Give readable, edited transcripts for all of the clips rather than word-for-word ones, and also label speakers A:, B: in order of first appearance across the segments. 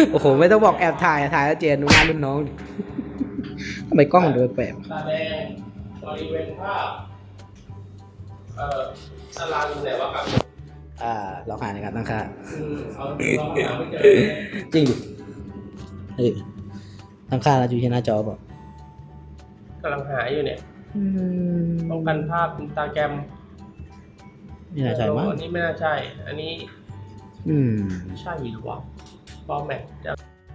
A: โอ้โหไม่ต้องบอกแอบถ่ายแล้วเจนดูหน้ารุ่นน้องดิทำไมกล้องมันดูแปลก
B: ตาแดงบริเวณภาพตารางไหนวะครับ
A: เราหาในการตั้งค่า
B: เอาลองหาไม่เจอ
A: จริงดิตั้งค่าเราอยู่ที่หน้าจอเปล่าก
B: ำลังหาอยู่เนี่ยป้องกันภาพอินสตาแกรม
A: นี่น่าใช่มั้ง
B: อันนี้ไม่น่าใช่ อันนี้ใช่หรือวะฟอร์แมตจะ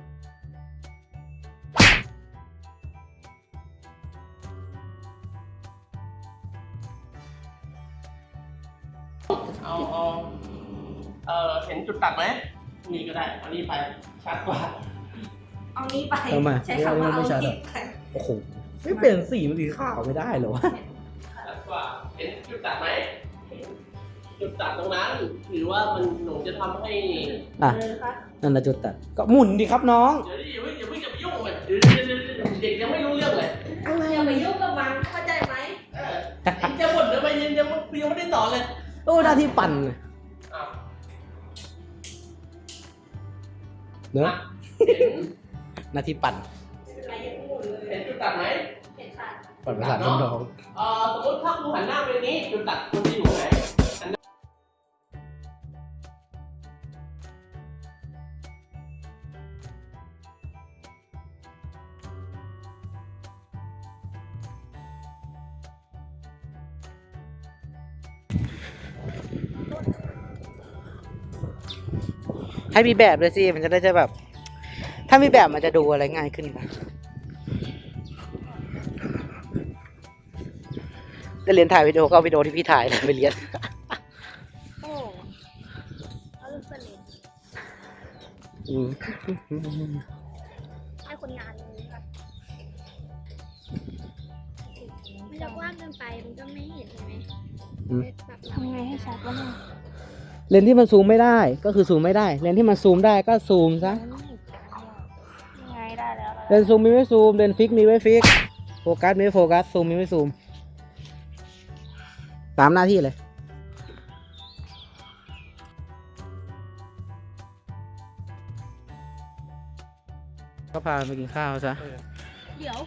B: เห็นจุดตัดไหมนี่ก็ได้เอานี้ไปชัดกว่า
C: เอานี้ไป
A: ทำไม
C: ใช้คำว่าเอา
A: ไม่ชัด
C: นี้
A: อะ
C: ไป
A: โอ้โหไม่เปลี่ยนสีมันสีขาวไม่ได้เหรอวะ
B: ชัดกว่าเห็นจุดตัดไหมจุดตัดตรงนั้นหรือว่ามันหนูจะทำให้
A: อ่ะ
C: เลยนะคะ
A: นั่นนะจุดตัดก็หมุนดิครับน้อง
B: เดี๋ยวดิอย่าเพิ่งจะไปยุ่งเลยเด็กยังไม่รู้เรื่องเลย
C: อย่าไปยุ่งกับมันเข้าใจไหม
B: จะบ่นทำไมยังไม่ได้ต่อเลย
A: โอ้หน้าที่ปั่น
B: อ้าว
A: เนอะ
B: เห็น
A: หน้าที่ปั่น
C: อะไรยังไม่หมดเลย
B: เห็นจุดตัดไหม
C: เห็นค่ะ
A: ปั่นประสาทน้อง
B: สมมติถ้ากูหันหน้าไปนี้จุดตัดคุณจะอยู่ไหน
A: ให้มีแบบเลยสิมันจะได้แบบ ถ้ามีแบบมันจะดูอะไรง่ายขึ้นนะได้เรียนถ่ายวิดีโอก็เอาวิดีโอที่พี่ถ่ายนะไปเรียน
C: โอ้เอาลูกเสลดให้คนงานนี้ค่ะมันจะกว้างเกินไปมันก็ไม่เห็นใช่ไหมทำไงให้ชัดวะเนี่ย
A: เลนส์ที่มันซูมไม่ได้ก็คือซูมไม่ได้เลนส์ที่มันซูมได้ก็ซูมซะ
C: ยังไงได้แล้ว
A: เลนส์ซูมมีไว้ซูมเลนส์ฟิกมีไว้ฟิกโฟกัสมีไว้โฟกัสซูมมีไว้ซูมตามหน้าที่เลยก็พาไปกินข้าวซะ
C: เดี๋ยว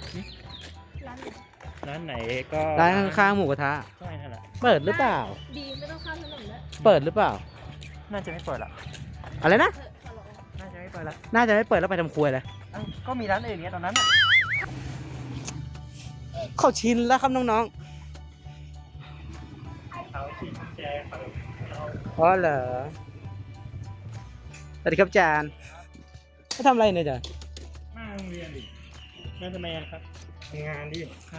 C: ร้านไหน
D: ร้านไหนก็
A: ร้านข้างๆหมูกระทะ
D: ใช่นั่นแหละ
A: เปิดหรือเปล่า
C: ดีไม่ต้องข้ามถนนแล้ว
A: เปิดหรือเปล่า
D: น่าจะไม่เปิดละ
A: อะไรนะ
C: ขอร้อง
D: น่าจะไม่เปิดละ
A: น่าจะไม่เปิดแล้วไปทำครัวเลย
D: เอ้าก็มีร้านอื่นเนี้ยตอนนั้นอ่ะ
A: เข้าชินแล้วครับน้อง
D: เขาชี้แจงเขา
A: ๆอ๋อเหรอสวัสดีครับอาจารย์เขาทำอะไรเนี่ยอาจารย์
D: มาโรงเรียนดิมาทำไมอะครับทำงานดิครับ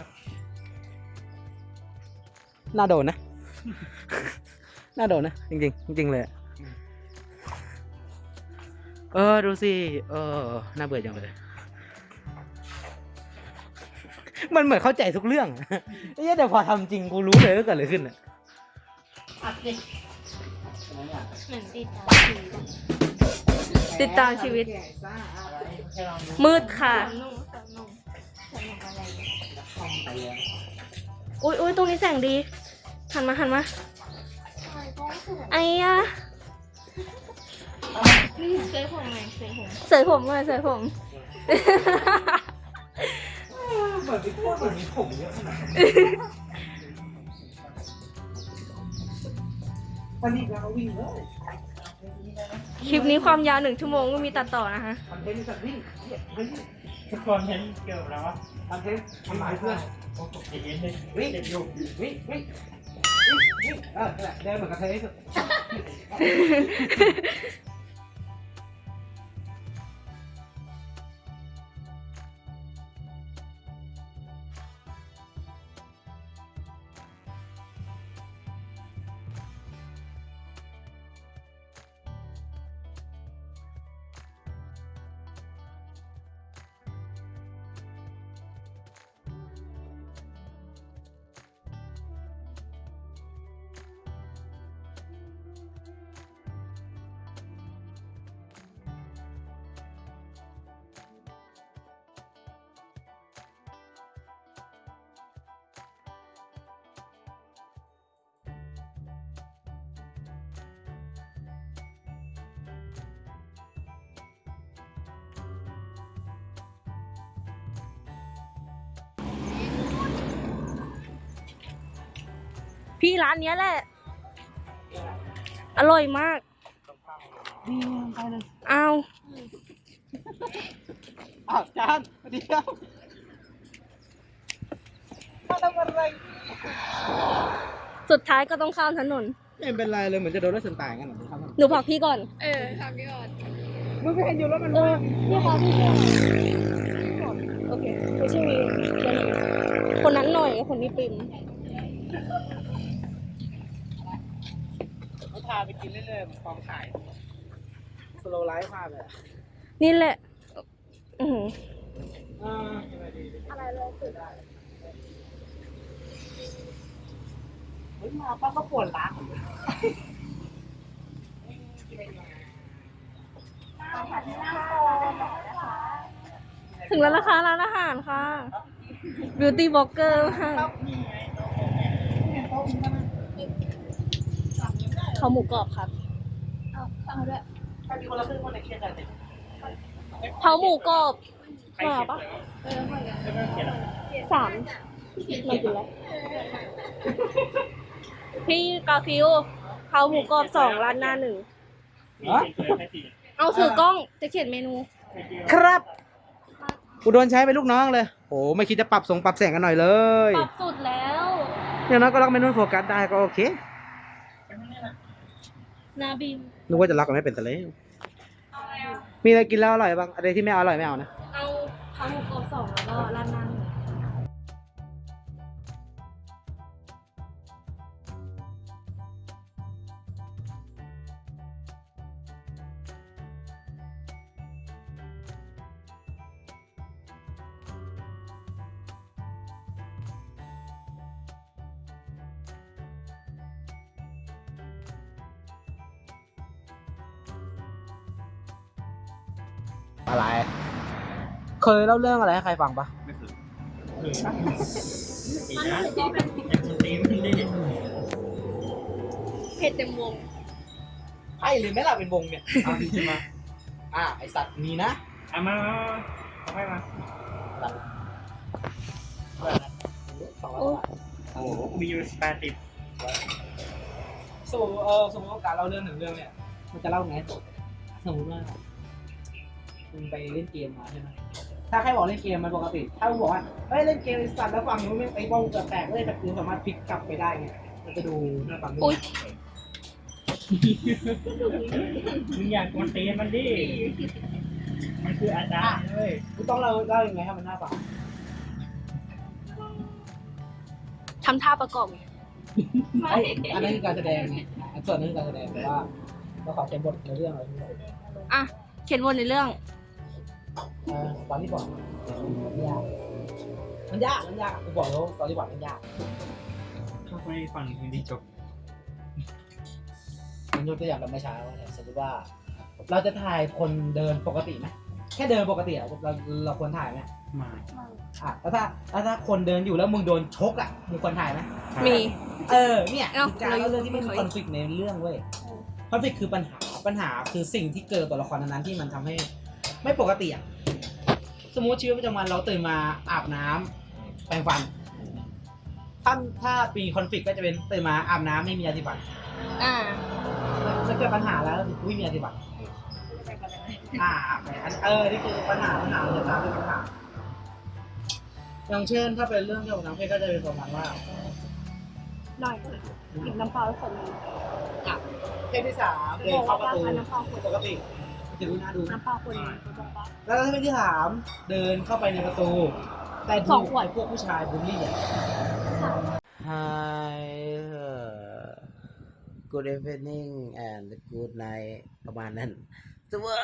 A: น่าโดนนะ น่าโดนนะ จริงๆจริงๆเลยอะดูสิน่าเบื่อจังเลยมันเหมือนเข้าใจทุกเรื่องอะไอ้เหี้ยแต่พอทำจริงกูรู้เลยว่าเกิดอะไรขึ้นอ่ะ
C: เหมือนติดตามชีวิต มืดค่ะอุ้ยตรงนี้แสงดีหันมาไอ้ยะเสยผมไงเสยผมเสยผมเลยเสยผม
A: เหมือนมีพวกเหมือนมีผมเยอะขนาดวันนี้เราวิ่งเลย
C: คลิปนี้ความยาว1 ชั่วโมงไม่มีตัดต่อนะคะ
A: คอนเทนต์สัตว์วิ่งวิ่ง
D: ทุกคนเห็นเกี่ยวกับอะไรวะ
A: คอนเทนต์ทำลายเพื่อน
D: เห็นเลย
A: วิ่ง
D: เด็กอยู่
A: วิ่งวิ่งนั่นแหละเดินเหมือนกระเทยที่สุด
E: พี่ร้านเนี้ยแหละ อร่อยมาก
A: นี่ไปเลย
E: เอา
A: อ้าวจานสวัสดีครับมาทำอะไร
E: สุดท้ายก็ต้องข้ามถนน
A: ไม่เป็นไรเลยเหมือนจะโดนรถชนตายกันหรอครับ
E: หนูบอกพี่ก่อน
C: ทำก่อน
A: มึงไปเห็นอยู่รถมัน
E: เออพี่คะพี่ก่อนโอเคไม่ใช่วีคนนั้นหน่อยกับคนนี้ปิ่ม
A: เขาพาไปกินเรื่อยๆกองถ่ายสโลว์ไลฟ์พาไป
E: นี่แหละ อือหือ
C: อะไรเลยสุด
A: เฮ้ยมาป้าก็ปวดล้าง
E: ถึงแล้วนะคะร้านอาหารค่ะ Beauty Blogger ค่ะเขาหมูกรอบครับ
C: เอาด้วย
A: ถ้ามีคนละครึ่งคนในเคสอะไร
E: เขาหมูกรอบมาปะ
C: เหมือนกัน
E: 3มากินแล้วพี่กาฟิวเขาหมูกรอบ2ร้านหน้า1เอาถือกล้องจะเขียนเมนู
A: ครับกูโดนใช้เป็นลูกน้องเลยโอ้ไม่คิดจะปรับปรับแสงกันหน่อยเลย
E: ปรับสุดแล้ว
A: อย่างน้อยก็ล็อกเมนูโฟกัสได้ก็โอเค
E: นาบิม
A: นึกว่าจะล็อกกันไม่เป็นแต่เลยมีอะไรกินแล้วอร่อยบ้างอะไรที่ไม่อร่อยไม่เอานะ
E: เอาเขาหมูกรอบ2แล้วก็ร้านหน้า1
A: อะไร เคยเล่าเรื่องอะไรให้ใครฟังปะ
D: อีกนะยังคนตีมันได้
E: เผ็ดเต็มวง
A: ใช่หรือไม่ล่ะเป็นวงเนี่ยเอาดีมาไอสัตว์มีนะ
D: เอามาเอาให้มา
E: โอ้
D: โอ้โหมีอยู่80
A: สมมติสมมติว่าการเล่าเรื่องหนึ่งเรื่องเนี่ยมันจะเล่าไงสมมติว่ามึงไปเล่นเกมมาใช่ไหมถ้าใครบอกเล่นเกมมันปกติ ถ้ามึงบอกว่าเฮ้ยเล่นเกมไอสัตว์แล้วฟังนู้นไอ้บ้องเกิดแตกเลยแต่คือสามารถพลิกกลับไปได้ไงมันจะดูน่าฟัง
E: อุ๊ย
D: มึงอยากกวนตีนมันดิ มันคืออาจารย์เลย
A: กูต้องเล่ายังไงให้มันน่าฟัง
E: ทำท่าประกอบไง
A: อันนั้นคือการแสดงไงส่วนนึงคือการแสดงแต่ว่าเราขอใช้บทในเรื่องอะไรที่
E: อ่ะ เขียนวนในเรื่อง
A: ตอนที่บอกมันยากกูบอกแล้วตอนที่บอกมันยาก
D: เข้าไปฟังเพลงดีจบ
A: มันยกตัวอย่างแบบเมื่อเช้าเนี่ยสมมติว่า เราจะถ่ายคนเดินปกติไหมแค่เดินปกติอะเราควรถ่ายไหม
D: มา
A: แล้วถ้าคนเดินอยู่แล้วมึงโดนชกอ่ะมึงควรถ่ายไหม
E: มี
A: เนี่ย
E: เอ้า
A: คือการเล่าเรื่องที่ไม่มีคอนฟ lict ในเรื่องเว้ยคอนฟ lict คือปัญหาคือสิ่งที่เกิดตัวละครนั้นๆที่มันทำให้ไม่ปกติอ่ะสมมติชีวิตประจำวันเราตื่นมาอาบน้ำแปรงฟันถ้าปีคอนฟ lict ก็จะเป็นตื่นมาอาบน้ำไม่มียาสีฟัน
E: อ่า
A: จะเกิดปัญหาแล้วก็คือไม่มียาสีฟันนี่คือปัญหามันจะตามด้วยปัญหาอย่างเช่นถ้าเป็นเรื่องเกี่ยวกับน้ำเพชรก็จะเป็นประมาณว่า
E: หน่อยหยิบน้ำเปล่าแล้วใส่มือ
A: เพศที่3เดินเข้าประตู
E: น้ำเปล่าขวด
A: ปกติจะดูน่าดู
E: น้ำเปล่าคนนี้น้ำเปล่า
A: แล้วถ้าเพศที่3เดินเข้าไปในประตู แต่
E: สองขวด
A: พวกผู้ชายบูลลี่อ่ะ Hi good evening and good night ประมาณนั้นแต่ว่า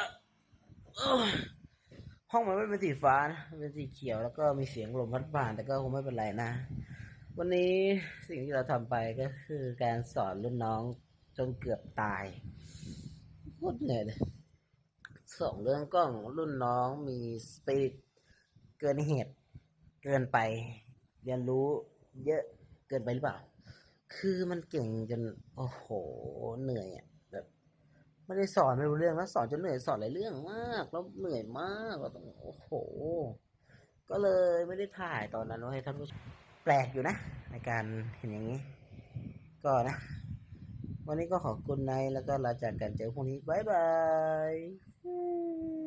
A: ห้องมันไม่เป็นสีฟ้านะมันเป็นสีเขียวแล้วก็มีเสียงลมพัดผ่านแต่ก็คงไม่เป็นไรนะ วันนี้สิ่งที่เราทำไปก็คือการสอนรุ่นน้องจนเกือบตายโคตรเหนื่อยเลยสองเรื่องกล้องรุ่นน้องมีสปิริตเกินเหตุเกินไปเรียนรู้เยอะเกินไปหรือเปล่าคือมันเก่งจนโอ้โหเหนื่อยอ่ะแบบไม่ได้สอนไม่รู้เรื่องแล้วสอนจนเหนื่อยสอนหลายเรื่องมากแล้วเหนื่อยมากแล้วต้องโอ้โหก็เลยไม่ได้ถ่ายตอนนั้นไว้ให้ท่านผู้ชมแปลกอยู่นะในการเห็นอย่างนี้ก็นะ วันนี้ก็ขอบคุณไนท์แล้วก็ลาจากกันเจอพรุ่งนี้ บ๊ายบาย